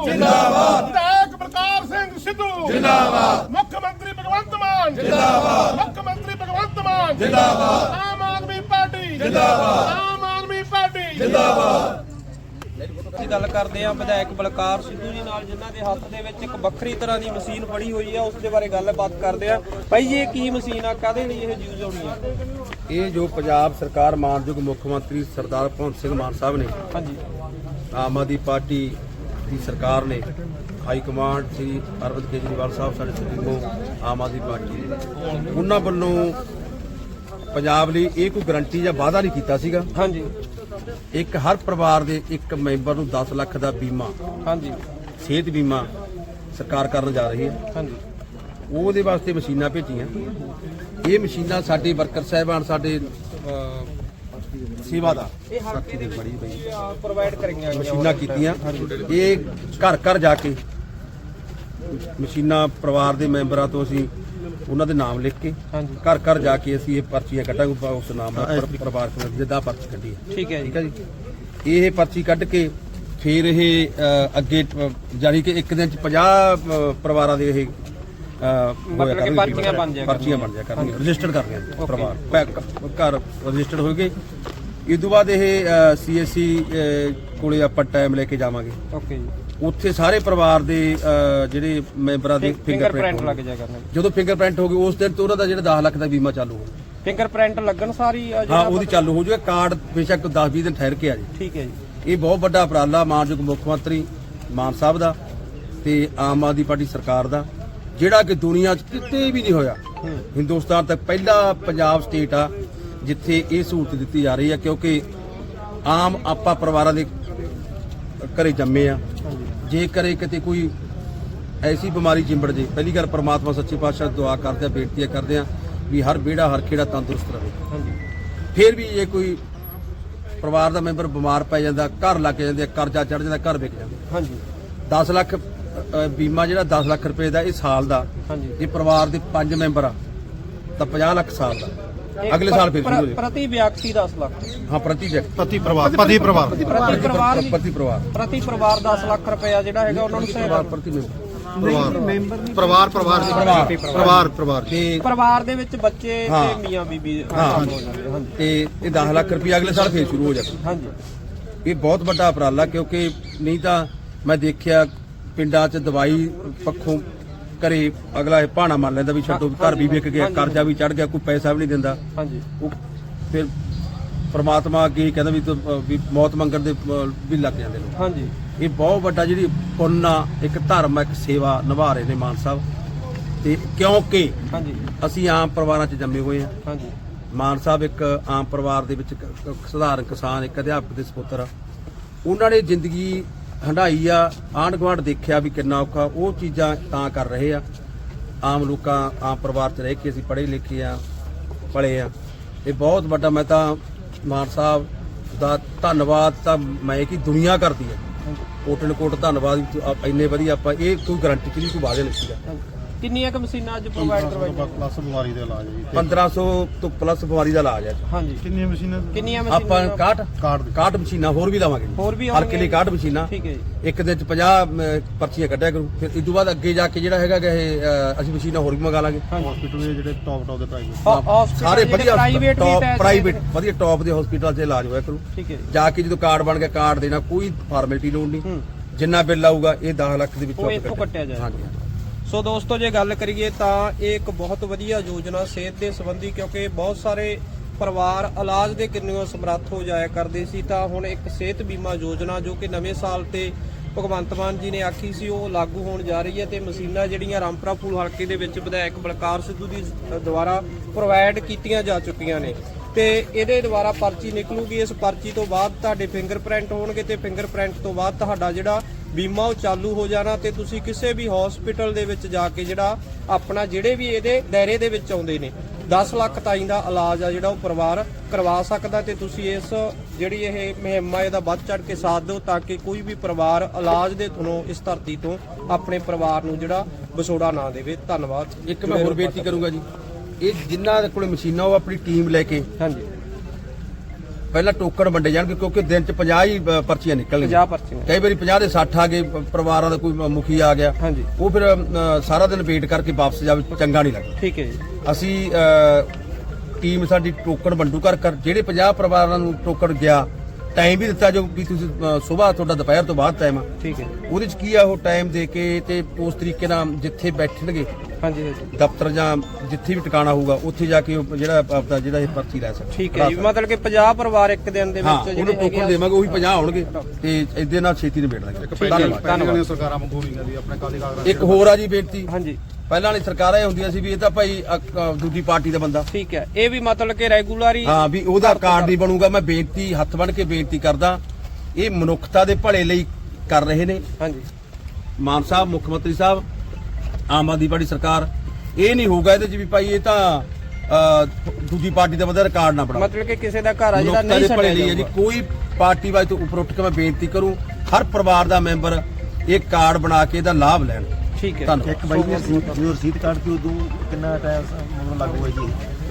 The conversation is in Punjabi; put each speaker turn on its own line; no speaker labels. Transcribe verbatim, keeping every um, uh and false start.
ਜਿੰਦਾਬਾਦ। ਵਿਧਾਇਕ ਬਲਕਾਰ ਸਿੰਘ ਸਿੱਧੂ ਜਿੰਦਾਬਾਦ। ਮੁੱਖ ਮੰਤਰੀ ਭਗਵੰਤ ਮਾਨ ਜਿੰਦਾਬਾਦ। ਮੁੱਖ ਮੰਤਰੀ ਭਗਵੰਤ ਮਾਨ ਜਿੰਦਾਬਾਦ। ਆਮ ਆਦਮੀ ਪਾਰਟੀ ਜਿੰਦਾਬਾਦ। ਆਮ ਆਦਮੀ ਪਾਰਟੀ ਜਿੰਦਾਬਾਦ।
ਅਸੀਂ ਗੱਲ ਕਰਦੇ ਹਾਂ ਵਿਧਾਇਕ ਬਲਕਾਰ ਸਿੱਧੂ ਜੀ ਨਾਲ, ਜਿਨ੍ਹਾਂ ਦੇ ਹੱਥ ਦੇ ਵਿੱਚ ਇੱਕ ਵੱਖਰੀ ਤਰ੍ਹਾਂ ਦੀ ਮਸ਼ੀਨ ਫੜੀ ਹੋਈ ਆ। ਉਸ ਦੇ ਬਾਰੇ ਗੱਲਬਾਤ ਕਰਦੇ ਆ। ਭਾਈ ਜੀ, ਇਹ ਕੀ ਮਸ਼ੀਨ ਆ, ਕਾਹਦੇ ਲਈ ਇਹ ਯੂਜ਼ ਹੋਣੀ ਆ?
ਇਹ ਜੋ ਪੰਜਾਬ ਸਰਕਾਰ ਮਾਨਯੋਗ ਮੁੱਖ ਮੰਤਰੀ ਸਰਦਾਰ ਭਗਵੰਤ ਸਿੰਘ ਮਾਨ ਸਾਹਿਬ ਨੇ,
ਹਾਂਜੀ,
ਆਮ ਆਦਮੀ ਪਾਰਟੀ ਦੀ ਸਰਕਾਰ ਨੇ, ਹਾਈ ਕਮਾਂਡ ਸ੍ਰੀ ਅਰਵਿੰਦ ਕੇਜਰੀਵਾਲ ਸਾਹਿਬ ਸਾਡੇ ਸੁਪਰੀਮੋ ਆਮ ਆਦਮੀ ਪਾਰਟੀ, ਉਹਨਾਂ ਵੱਲੋਂ ਪੰਜਾਬ ਲਈ ਇਹ ਕੋਈ ਗਰੰਟੀ ਜਾਂ ਵਾਅਦਾ ਨਹੀਂ ਕੀਤਾ ਸੀਗਾ।
ਹਾਂਜੀ,
ਇੱਕ ਹਰ ਪਰਿਵਾਰ ਦੇ ਇੱਕ ਮੈਂਬਰ ਨੂੰ ਦਸ ਲੱਖ ਦਾ ਬੀਮਾ,
ਹਾਂਜੀ,
ਸਿਹਤ ਬੀਮਾ ਸਰਕਾਰ ਕਰਨ ਜਾ ਰਹੀ ਹੈ।
ਹਾਂਜੀ,
ਉਹਦੇ ਵਾਸਤੇ ਮਸ਼ੀਨਾਂ ਭੇਜੀਆਂ। ਇਹ ਮਸ਼ੀਨਾਂ ਸਾਡੇ ਵਰਕਰ ਸਾਹਿਬਾਨ, ਸਾਡੇ ਸੇਵਾ ਦਾ
ਇਹ ਹਲਕੇ ਦੇ ਵਿੱਚ ਪ੍ਰੋਵਾਈਡ ਕਰੀਆਂ
ਮਸ਼ੀਨਾਂ ਕੀਤੀਆਂ। ਇਹ ਘਰ ਘਰ ਜਾ ਕੇ ਮਸ਼ੀਨਾਂ ਪਰਿਵਾਰ ਦੇ ਮੈਂਬਰਾਂ ਤੋਂ ਅਸੀਂ ਉਹਨਾਂ ਦੇ ਨਾਮ ਲਿਖ ਕੇ
ਹਾਂਜੀ,
ਘਰ ਘਰ ਜਾ ਕੇ ਅਸੀਂ ਇਹ ਪਰਚੀਆਂ ਕੱਢਾਂਗੇ ਉਸ ਨਾਮ ਨਾਲ, ਪਰਿਵਾਰ ਜਿੱਦਾਂ ਪਰਚੀ ਕੱਢੀ ਹੈ।
ਠੀਕ ਹੈ ਜੀ।
ਠੀਕ ਹੈ ਜੀ। ਇਹ ਪਰਚੀ ਕੱਢ ਕੇ ਫਿਰ ਇਹ ਅ, ਅੱਗੇ ਜਾਨੀ ਕਿ ਇੱਕ ਦਿਨ ਚ ਪੰਜਾਹ ਪਰਿਵਾਰਾਂ ਦੇ ਇਹ
ਮਤਲਬ ਕਿ ਪਰਚੀਆਂ ਬਣ ਜਾਇਆ
ਪਰਚੀਆਂ ਬਣ ਜਾਇਆ ਕਰਨਗੀਆਂ, ਰਜਿਸਟਰ ਕਰਨੀਆਂ ਪਰਿਵਾਰ ਘਰ ਰਜਿਸਟਰ ਹੋਏਗੇ। ਇਸ ਤੋਂ ਬਾਅਦ ਇਹ ਸੀਐਸਸੀ ਕੋਲੇ ਆਪਾਂ ਟਾਈਮ ਲੈ ਕੇ ਜਾਵਾਂਗੇ।
ਓਕੇ ਜੀ।
ਉੱਥੇ ਸਾਰੇ ਪਰਿਵਾਰ ਦੇ ਜਿਹੜੇ ਮੈਂਬਰਾਂ ਦੇ
ਫਿੰਗਰਪ੍ਰਿੰਟ ਲੱਗ ਜਾ ਕਰਨਗੇ।
ਜਦੋਂ ਫਿੰਗਰਪ੍ਰਿੰਟ ਹੋ ਗਏ ਉਸ ਦਿਨ ਤੋਂ ਉਹਨਾਂ ਦਾ ਜਿਹੜਾ ਦਸ ਲੱਖ ਦਾ ਬੀਮਾ ਚਾਲੂ ਹੋ ਗਿਆ।
ਫਿੰਗਰਪ੍ਰਿੰਟ ਲੱਗਣ ਸਾਰੀ
ਹਾਂ, ਉਹਦੀ ਚਾਲੂ ਹੋ ਜਾਊਗਾ। ਕਾਰਡ ਬੇਸ਼ੱਕ ਦਸ ਵੀਹ ਦਿਨ ਠਹਿਰ ਕੇ ਆ ਜੀ।
ਠੀਕ ਹੈ ਜੀ।
ਇਹ ਬਹੁਤ ਵੱਡਾ ਉਪਰਾਲਾ ਮਾਨਯੋਗ ਮੁੱਖ ਮੰਤਰੀ ਮਾਨ ਸਾਹਿਬ ਦਾ ਤੇ ਆਮ ਆਦਮੀ ਪਾਰਟੀ ਸਰਕਾਰ ਦਾ, ਜਿਹੜਾ ਕਿ ਦੁਨੀਆ 'ਚ ਕਿਤੇ ਵੀ ਨਹੀਂ ਹੋਇਆ। ਹਿੰਦੁਸਤਾਨ ਤੱਕ ਪਹਿਲਾ ਪੰਜਾਬ ਸਟੇਟ ਆ ਜਿੱਥੇ ਇਹ ਸਹੂਲਤ ਦਿੱਤੀ ਜਾ ਰਹੀ ਹੈ, ਕਿਉਂਕਿ ਆਮ ਆਪਾਂ ਪਰਿਵਾਰਾਂ ਦੇ ਘਰੇ ਜੰਮੇ ਆ। ਜੇ ਕਰੇ ਕਿਤੇ ਕੋਈ ਐਸੀ ਬਿਮਾਰੀ ਚਿੰਬੜ ਜੇ, ਪਹਿਲੀ ਗੱਲ ਪਰਮਾਤਮਾ ਸੱਚੇ ਪਾਤਸ਼ਾਹ ਦੁਆ ਕਰਦੇ ਆ, ਬੇਨਤੀਆਂ ਕਰਦੇ ਆ ਵੀ ਹਰ ਵਿਹੜਾ ਹਰ ਖੇੜਾ ਤੰਦਰੁਸਤ ਰਹੇ। ਫਿਰ ਵੀ ਜੇ ਕੋਈ ਪਰਿਵਾਰ ਦਾ ਮੈਂਬਰ ਬਿਮਾਰ ਪੈ ਜਾਂਦਾ, ਘਰ ਲੱਗ ਜਾਂਦੇ, ਕਰਜ਼ਾ ਚੜ ਜਾਂਦਾ, ਘਰ ਵਿਕ ਜਾਂਦਾ।
ਹਾਂਜੀ,
ਦਸ ਲੱਖ ਬੀਮਾ ਜਿਹੜਾ ਦਸ ਲੱਖ ਰੁਪਏ ਦਾ ਇਹ ਸਾਲ ਦਾ, ਜੇ ਪਰਿਵਾਰ ਦੇ ਪੰਜ ਮੈਂਬਰ ਆ ਤਾਂ ਪੰਜਾਹ ਲੱਖ ਸਾਲ ਦਾ। ਅਗਲੇ ਸਾਲ ਫਿਰ ਸ਼ੁਰੂ ਹੋ ਜਾਏ
ਪ੍ਰਤੀ ਵਿਅਕਤੀ ਦਸ ਲੱਖ।
ਹਾਂ, ਪ੍ਰਤੀ ਵਿਅਕਤੀ,
ਪ੍ਰਤੀ ਪਰਿਵਾਰ, ਪ੍ਰਤੀ ਪਰਿਵਾਰ
ਪ੍ਰਤੀ ਪਰਿਵਾਰ
ਪ੍ਰਤੀ ਪਰਿਵਾਰ
ਪ੍ਰਤੀ ਪਰਿਵਾਰ ਦਸ ਲੱਖ ਰੁਪਇਆ ਜਿਹੜਾ ਹੈਗਾ ਉਹਨਾਂ ਨੂੰ ਸਹਾਇਤਾ।
ਪ੍ਰਤੀ ਮੈਂਬਰ
ਪਰਿਵਾਰ ਪਰਿਵਾਰ ਪਰਿਵਾਰ ਪਰਿਵਾਰ
ਤੇ
ਪਰਿਵਾਰ ਦੇ ਵਿੱਚ ਬੱਚੇ
ਹਾਂ।
ਤੇ ਮੀਆਂ ਬੀਬੀ
ਹਾਂ।
ਹੋ ਜਾਂਦੇ। ਹਾਂਜੀ,
ਤੇ ਇਹ ਦਸ ਲੱਖ ਰੁਪਏ ਅਗਲੇ ਸਾਲ ਫਿਰ ਸ਼ੁਰੂ ਹੋ ਜਾਏ।
ਹਾਂਜੀ,
ਇਹ ਬਹੁਤ ਵੱਡਾ ਉਪਰਾਲਾ, ਕਿਉਂਕਿ ਨਹੀਂ ਤਾਂ ਮੈਂ ਦੇਖਿਆ ਪਿੰਡਾਂ 'ਚ ਦਵਾਈ ਪੱਖੋਂ ਘਰੇ ਅਗਲਾ ਇਹ ਭਾਣਾ ਮੰਨ ਲੈਂਦਾ ਵੀ ਛੱਡੋ, ਘਰ ਵੀ ਵਿਕ ਗਿਆ, ਕਰਜ਼ਾ ਵੀ ਚੜ ਗਿਆ, ਕੋਈ ਪੈਸਾ ਵੀ ਨਹੀਂ ਦਿੰਦਾ।
ਹਾਂਜੀ,
ਉਹ ਫਿਰ ਪਰਮਾਤਮਾ ਅੱਗੇ ਕਹਿੰਦਾ ਵੀ ਤੂੰ, ਅ, ਵੀ ਮੌਤ ਮੰਗਣ ਦੇ ਅ, ਵੀ ਲੱਗ ਜਾਂਦੇ ਲੋਕ।
ਹਾਂਜੀ,
ਇਹ ਬਹੁਤ ਵੱਡਾ ਜਿਹੜੀ ਪੁੰਨ ਆ, ਇੱਕ ਧਰਮ, ਇੱਕ ਸੇਵਾ ਨਿਭਾ ਰਹੇ ਨੇ ਮਾਨ ਸਾਹਿਬ। ਤੇ ਕਿਉਂਕਿ
ਹਾਂਜੀ,
ਅਸੀਂ ਆਮ ਪਰਿਵਾਰਾਂ 'ਚ ਜੰਮੇ ਹੋਏ ਆ।
ਹਾਂਜੀ,
ਮਾਨ ਸਾਹਿਬ ਇੱਕ ਆਮ ਪਰਿਵਾਰ ਦੇ ਵਿੱਚ ਇੱਕ ਸਧਾਰਨ ਕਿਸਾਨ, ਇੱਕ ਅਧਿਆਪਕ ਦੇ ਸਪੁੱਤਰ ਆ। ਉਹਨਾਂ ਨੇ ਜ਼ਿੰਦਗੀ ਹੰਢਾਈ ਆ, ਆਂਢ ਗੁਆਂਢ ਦੇਖਿਆ ਵੀ ਕਿੰਨਾ ਔਖਾ। ਉਹ ਚੀਜ਼ਾਂ ਤਾਂ ਕਰ ਰਹੇ ਆ। ਆਮ ਲੋਕਾਂ, ਆਮ ਪਰਿਵਾਰ 'ਚ ਰਹਿ ਕੇ ਅਸੀਂ ਪੜ੍ਹੇ ਲਿਖੇ ਆ, ਪਲੇ ਆ। ਇਹ ਬਹੁਤ ਵੱਡਾ, ਮੈਂ ਤਾਂ ਮਾਨ ਸਾਹਿਬ ਦਾ ਧੰਨਵਾਦ ਤਾਂ ਮੈਂ ਕਿ ਦੁਨੀਆ ਕਰਦੀ ਆ, ਕੋਟਨ ਕੋਟ ਧੰਨਵਾਦ ਵੀ ਆਪ ਇੰਨੇ ਵਧੀਆ। ਆਪਾਂ ਇਹ ਕੋਈ ਗਰੰਟੀ ਚ ਨਹੀਂ, ਕੋਈ ਵਾਅਦੇ ਨਹੀਂ ਸੀਗਾ।
ਕਿੰਨੀਆਂ ਕੁ ਮਸ਼ੀਨਾਂ ਅੱਜ ਪ੍ਰੋਵਾਈਡ ਕਰਵਾਈਆਂ?
ਪਲੱਸ ਬਿਮਾਰੀ ਦਾ ਇਲਾਜ ਹੈ ਜੀ।
ਪੰਦਰਾਂ ਸੌ ਤੋਂ ਪਲੱਸ ਬਿਮਾਰੀ ਦਾ ਇਲਾਜ ਹੈ।
ਹਾਂਜੀ,
ਕਿੰਨੀਆਂ ਮਸ਼ੀਨਾਂ?
ਕਿੰਨੀਆਂ
ਆਪਾਂ
ਮਸ਼ੀਨਾਂ?
ਇਕਾਹਠ
ਕਾਰਡ
ਇਕਾਹਠ ਮਸ਼ੀਨਾਂ ਹੋਰ ਵੀ ਲਾਵਾਂਗੇ।
ਹੋਰ ਵੀ
ਹਲਕੇ ਲਈ ਇਕਾਹਠ ਮਸ਼ੀਨਾਂ।
ਠੀਕ ਹੈ ਜੀ।
ਇੱਕ ਦਿਨ ਚ ਪੰਜਾਹ ਅਮ, ਪਰਚੀਆਂ ਕੱਢਿਆ ਕਰੂ। ਫਿਰ ਇਸ ਤੋਂ ਬਾਅਦ ਅੱਗੇ ਜਾ ਕੇ ਜਿਹੜਾ ਹੈਗਾ ਗਾ ਇਹ ਅ, ਅਸੀਂ ਮਸ਼ੀਨਾਂ ਹੋਰ ਵੀ ਮੰਗਾ ਲਾਂਗੇ।
ਹਸਪੀਟਲ ਦੇ ਜਿਹੜੇ ਟੌਪ ਟੌਪ ਦੇ ਪ੍ਰਾਈਵੇਟ
ਸਾਰੇ ਵਧੀਆ
ਪ੍ਰਾਈਵੇਟ
ਪ੍ਰਾਈਵੇਟ ਵਧੀਆ ਟੌਪ ਦੇ ਹਸਪੀਟਲ 'ਚ ਇਲਾਜ ਹੋਇਆ ਕਰੂ।
ਠੀਕ ਹੈ ਜੀ।
ਜਾ ਕੇ ਜਦੋਂ ਕਾਰਡ ਬਣ ਗਿਆ, ਕਾਰਡ ਦੇਣਾ, ਕੋਈ ਫਾਰਮੈਲਿਟੀ ਲੋੜ ਨਹੀਂ। ਜਿੰਨਾ ਬਿੱਲ ਆਊਗਾ ਇਹ ਦਸ ਲੱਖ ਦੇ ਵਿੱਚੋਂ
ਇੱਥੋਂ ਕੱਟਿਆ ਜਾਏ।
ਹਾਂਜੀ।
ਸੋ ਦੋਸਤੋ, ਜੇ ਗੱਲ ਕਰੀਏ ਤਾਂ ਇਹ ਇੱਕ ਬਹੁਤ ਵਧੀਆ ਯੋਜਨਾ ਸਿਹਤ ਦੇ ਸੰਬੰਧੀ, ਕਿਉਂਕਿ ਬਹੁਤ ਸਾਰੇ ਪਰਿਵਾਰ ਇਲਾਜ ਦੇ ਕਿੰਨਿਓ ਸਮਰੱਥ ਹੋ ਜਾਇਆ ਕਰਦੇ ਸੀ, ਤਾਂ ਹੁਣ ਇੱਕ ਸਿਹਤ ਬੀਮਾ ਯੋਜਨਾ ਜੋ ਕਿ ਨਵੇਂ ਸਾਲ ਤੇ ਭਗਵੰਤ ਮਾਨ ਜੀ ਨੇ ਆਖੀ ਸੀ, ਉਹ ਲਾਗੂ ਹੋਣ ਜਾ ਰਹੀ ਹੈ। ਤੇ ਮਸ਼ੀਨਾਂ ਜਿਹੜੀਆਂ ਰਾਮਪੁਰਾ ਫੂਲ ਹਲਕੇ ਦੇ ਵਿੱਚ ਵਿਧਾਇਕ ਬਲਕਾਰ ਸਿੱਧੂ ਦੀ ਦੁਆਰਾ ਪ੍ਰੋਵਾਈਡ ਕੀਤੀਆਂ ਜਾ ਚੁੱਕੀਆਂ ਨੇ। ਤੇ ਇਹਦੇ ਦੁਆਰਾ ਪਰਚੀ ਨਿਕਲੂਗੀ। ਇਸ ਪਰਚੀ ਤੋਂ ਬਾਅਦ ਤੁਹਾਡੇ ਫਿੰਗਰਪ੍ਰਿੰਟ ਹੋਣਗੇ ਤੇ ਫਿੰਗਰਪ੍ਰਿੰਟ ਤੋਂ ਬਾਅਦ ਤੁਹਾਡਾ ਜਿਹੜਾ ਬੀਮਾ ਉਹ ਚਾਲੂ ਹੋ ਜਾਣਾ। ਤੇ ਤੁਸੀਂ ਕਿਸੇ ਵੀ ਹਸਪੀਟਲ ਦੇ ਵਿੱਚ ਜਾ ਕੇ ਜਿਹੜਾ ਆਪਣਾ ਜਿਹੜੇ ਵੀ ਇਹਦੇ ਦਾਇਰੇ ਦੇ ਵਿੱਚ ਆਉਂਦੇ ਨੇ ਦਸ ਲੱਖ ਤਾਈਂ ਦਾ ਇਲਾਜ ਆ ਜਿਹੜਾ ਉਹ ਪਰਿਵਾਰ ਕਰਵਾ ਸਕਦਾ। ਤੇ ਤੁਸੀਂ ਇਸ ਜਿਹੜੀ ਇਹ ਮੁਹਿੰਮ ਆ ਇਹਦਾ ਵੱਧ ਚੜ ਕੇ ਸਾਥ ਦਿਓ, ਤਾਂ ਕਿ ਕੋਈ ਵੀ ਪਰਿਵਾਰ ਇਲਾਜ ਦੇ ਥਣੋਂ ਇਸ ਧਰਤੀ ਤੋਂ ਆਪਣੇ ਪਰਿਵਾਰ ਨੂੰ ਜਿਹੜਾ ਵਿਛੋੜਾ ਨਾ ਦੇਵੇ। ਧੰਨਵਾਦ।
ਇੱਕ ਮੈਂ ਹੋਰ ਬੇਨਤੀ ਕਰੂੰਗਾ ਜੀ, ਇਹ ਜਿਨ੍ਹਾਂ ਦੇ ਕੋਲੇ ਮਸ਼ੀਨਾਂ ਉਹ ਆਪਣੀ ਟੀਮ ਲੈ ਕੇ
ਹਾਂਜੀ
ਪਹਿਲਾਂ ਟੋਕਨ ਵੰਡੇ ਜਾਣਗੇ ਕਿਉਂਕਿ ਦਿਨ ਚ ਪੰਜਾਹ ਹੀ ਅ, ਪਰਚੀਆਂ ਨਿਕਲਣਗੀਆਂ
ਪੰਜਾਹ ਪਰਚੀਆਂ
ਕਈ ਵਾਰੀ ਪੰਜਾਹ ਦੇ ਸੱਠ ਆ ਗਏ ਪ- ਪਰਿਵਾਰਾਂ ਦਾ ਕੋਈ ਮੁਖੀ ਆ ਗਿਆ
ਹਾਂਜੀ
ਉਹ ਫਿਰ ਅ, ਸਾਰਾ ਦਿਨ ਵੇਟ ਕਰਕੇ ਵਾਪਸ ਜਾਵੇ ਚੰਗਾ ਨਹੀਂ ਲੱਗਦਾ
ਠੀਕ ਹੈ ਜੀ
ਅਸੀਂ ਅ, ਟੀਮ ਸਾਡੀ ਟੋਕਨ ਵੰਡੂ ਕਰ ਕਰ ਜਿਹੜੇ ਪੰਜਾਹ ਪਰਿਵਾਰਾਂ ਨੂੰ ਟੋਕਨ ਗਿਆ ਟਾਈਮ ਵੀ ਦਿੱਤਾ ਜੋ ਵੀ ਤੁਸੀਂ ਸਵੇਰ ਤੁਹਾਡਾ ਦੁਪਹਿਰ ਤੋਂ ਬਾਅਦ ਟਾਈਮ ਆ
ਠੀਕ ਹੈ
ਉਹਦੇ ਚ ਕੀ ਆ ਉਹ ਟਾਈਮ ਦੇ ਕੇ ਤੇ ਉਸ ਤਰੀਕੇ ਨਾਲ ਜਿੱਥੇ ਬੈਠਣਗੇ
ਹਾਂਜੀ ਹਾਂਜੀ
ਦਫ਼ਤਰ ਜਾਂ ਜਿੱਥੇ ਵੀ ਟਿਕਾਣਾ ਹੋਊਗਾ ਉੱਥੇ ਜਾ ਕੇ ਉਹ ਜਿਹੜਾ ਆਪਦਾ ਜਿਹੜਾ ਇਹ ਪਰਚੀ ਲੈ ਸਕਦਾ
ਠੀਕ ਹੈ ਜੀ ਮਤਲਬ ਕਿ ਪੰਜਾਹ ਪਰਿਵਾਰ ਇੱਕ ਦਿਨ ਦੇ
ਹਾਂ
ਵਿੱਚ
ਉਹਨੂੰ
ਜਿਹੜੇ
ਟੋਕਨ ਦੇਵਾਂਗੇ ਉਹੀ ਪੰਜਾਹ ਹੋਣਗੇ ਤੇ ਇਹਦੇ ਨਾਲ ਛੇਤੀ ਨਿਬੇੜ ਲਾਂਗੇ ਧੰਨਵਾਦ
ਧੰਨਵਾਦ ਸਰਕਾਰਾਂ ਵਾਂਗੂ ਨਹੀਂ ਕਹਿੰਦੀ ਆਪਣੇ ਕਾਲੀ ਕਾਗਜ਼ਾਂ
ਇੱਕ ਹੋਰ ਆ ਜੀ ਬੇਨਤੀ
ਹਾਂਜੀ
ਪਹਿਲਾਂ ਵਾਲੀ ਸਰਕਾਰਾਂ ਇਹ ਹੁੰਦੀਆਂ ਸੀ ਵੀ ਇਹ ਤਾਂ ਭਾਈ ਅ, ਅ, ਦੂਜੀ ਪਾਰਟੀ ਦਾ ਬੰਦਾ
ਠੀਕ ਹੈ ਇਹ ਵੀ ਮਤਲਬ ਕਿ ਰੈਗੂਲਰ ਹੀ
ਹਾਂ ਵੀ ਉਹਦਾ ਕਾਰਡ ਨਹੀਂ ਬਣੂਗਾ ਮੈਂ ਬੇਨਤੀ ਹੱਥ ਬੰਨ ਕੇ ਬੇਨਤੀ ਕਰਦਾ ਇਹ ਮਨੁੱਖਤਾ ਦੇ ਭਲੇ ਲਈ ਕਰ ਰਹੇ ਨੇ
ਹਾਂਜੀ
ਮਾਨ ਸਾਹਿਬ ਮੁੱਖ ਮੰਤਰੀ ਸਾਹਿਬ ਆਮ ਆਦਮੀ ਪਾਰਟੀ ਸਰਕਾਰ ਇਹ ਨਹੀਂ ਹੋਊਗਾ ਇਹਦੇ ਚ ਵੀ ਭਾਈ ਇਹ ਤਾਂ ਅ, ਦੂਜੀ ਪਾਰਟੀ ਦਾ ਬੰਦਾ ਰਿਕਾਰਡ ਨਾ ਬਣਾਓ
ਮਤਲਬ ਕਿ ਕਿਸੇ ਦਾ ਘਰ ਆ ਜਿਹੜਾ
ਮਨੁੱਖਤਾ
ਨਹੀਂ
ਦੇ ਭਲੇ ਲਈ ਹੈ ਜੀ
ਛੱਡਿਆ
ਕੋਈ ਪਾਰਟੀ ਵਾਜ ਤੋਂ ਉੱਪਰ ਉੱਠ ਕੇ ਮੈਂ ਬੇਨਤੀ ਕਰੂੰ ਹਰ ਪਰਿਵਾਰ ਦਾ ਮੈਂਬਰ ਇਹ ਕਾਰਡ ਬਣਾ ਕੇ ਇਹਦਾ ਲਾਭ ਲੈਣ
ਠੀਕ ਹੈ
ਧੰਨਵਾਦ
ਇੱਕ ਬਾਈ ਜੀ ਰਸੀਦ ਜੋ ਰਸੀਦ ਕੱਢ ਕੇ ਉਦੋਂ ਕਿੰਨਾ ਟਾਈਮ ਮਤਲਬ ਲੱਗੂਗਾ ਜੀ